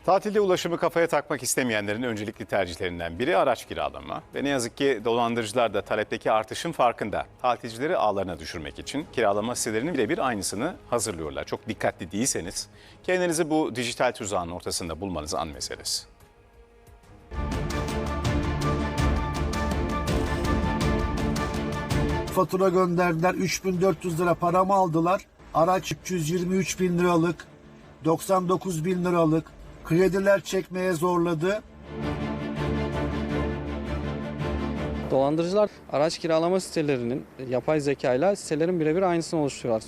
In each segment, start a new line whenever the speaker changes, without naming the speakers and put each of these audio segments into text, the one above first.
Tatilde ulaşımı kafaya takmak istemeyenlerin öncelikli tercihlerinden biri araç kiralama. Ve ne yazık ki dolandırıcılar da talepteki artışın farkında. Tatilcileri ağlarına düşürmek için kiralama sitelerinin birebir aynısını hazırlıyorlar. Çok dikkatli değilseniz kendinizi bu dijital tuzağın ortasında bulmanız an meselesi.
Fatura gönderdiler, 3.400 lira paramı aldılar. Araç 323 bin liralık, 99 bin liralık. Krediler çekmeye zorladı.
Dolandırıcılar araç kiralama sitelerinin yapay zekayla sitelerin birebir aynısını oluşturuyorlar.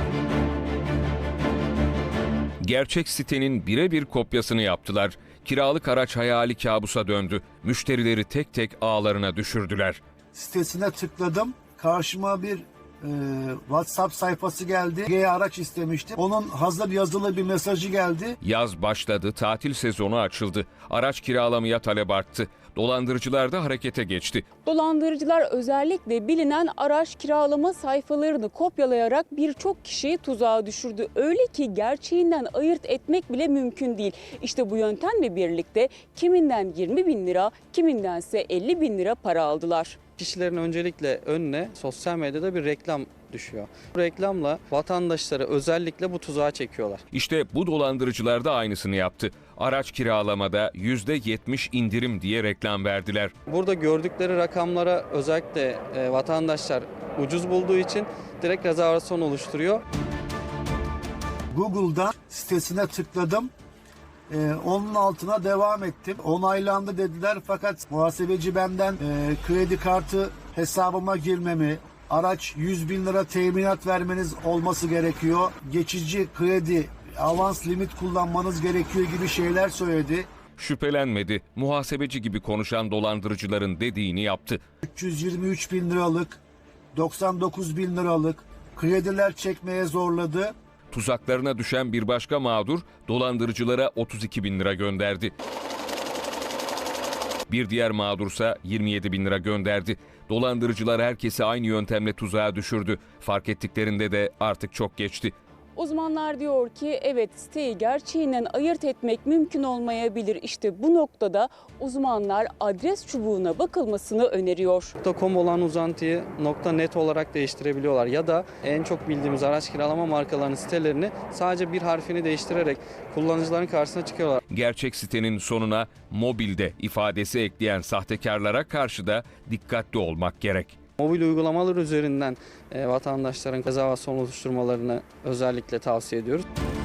Gerçek sitenin birebir kopyasını yaptılar. Kiralık araç hayali kabusa döndü. Müşterileri tek tek ağlarına düşürdüler.
Sitesine tıkladım. Karşıma bir WhatsApp sayfası geldi. Araç istemiştim. Onun hazır yazılı bir mesajı geldi.
Yaz başladı, tatil sezonu açıldı. Araç kiralamaya talep arttı. Dolandırıcılar da harekete geçti.
Dolandırıcılar özellikle bilinen araç kiralama sayfalarını kopyalayarak birçok kişiyi tuzağa düşürdü. Öyle ki gerçeğinden ayırt etmek bile mümkün değil. İşte bu yöntemle birlikte kiminden 20 bin lira, kimindense 50 bin lira para aldılar.
Kişilerin öncelikle önüne sosyal medyada bir reklam düşüyor. Bu reklamla vatandaşları özellikle bu tuzağa çekiyorlar.
İşte bu dolandırıcılar da aynısını yaptı. Araç kiralamada %70 indirim diye reklam verdiler.
Burada gördükleri rakamlara özellikle vatandaşlar ucuz bulduğu için direkt rezervasyon oluşturuyor.
Google'dan sitesine tıkladım. Onun altına devam ettim. Onaylandı dediler fakat muhasebeci benden kredi kartı hesabıma girmemi, araç 100 bin lira teminat vermeniz olması gerekiyor, geçici kredi, avans limit kullanmanız gerekiyor gibi şeyler söyledi.
Şüphelenmedi. Muhasebeci gibi konuşan dolandırıcıların dediğini yaptı.
323 bin liralık, 99 bin liralık krediler çekmeye zorladı.
Tuzaklarına düşen bir başka mağdur dolandırıcılara 32 bin lira gönderdi. Bir diğer mağdursa 27 bin lira gönderdi. Dolandırıcılar herkesi aynı yöntemle tuzağa düşürdü. Fark ettiklerinde de artık çok geçti.
Uzmanlar diyor ki evet, siteyi gerçeğinden ayırt etmek mümkün olmayabilir. İşte bu noktada uzmanlar adres çubuğuna bakılmasını öneriyor.
.com olan uzantıyı .net olarak değiştirebiliyorlar ya da en çok bildiğimiz araç kiralama markalarının sitelerini sadece bir harfini değiştirerek kullanıcıların karşısına çıkıyorlar.
Gerçek sitenin sonuna mobilde ifadesi ekleyen sahtekarlara karşı da dikkatli olmak gerek.
Mobil uygulamalar üzerinden vatandaşların rezervasyon oluşturmalarını özellikle tavsiye ediyoruz.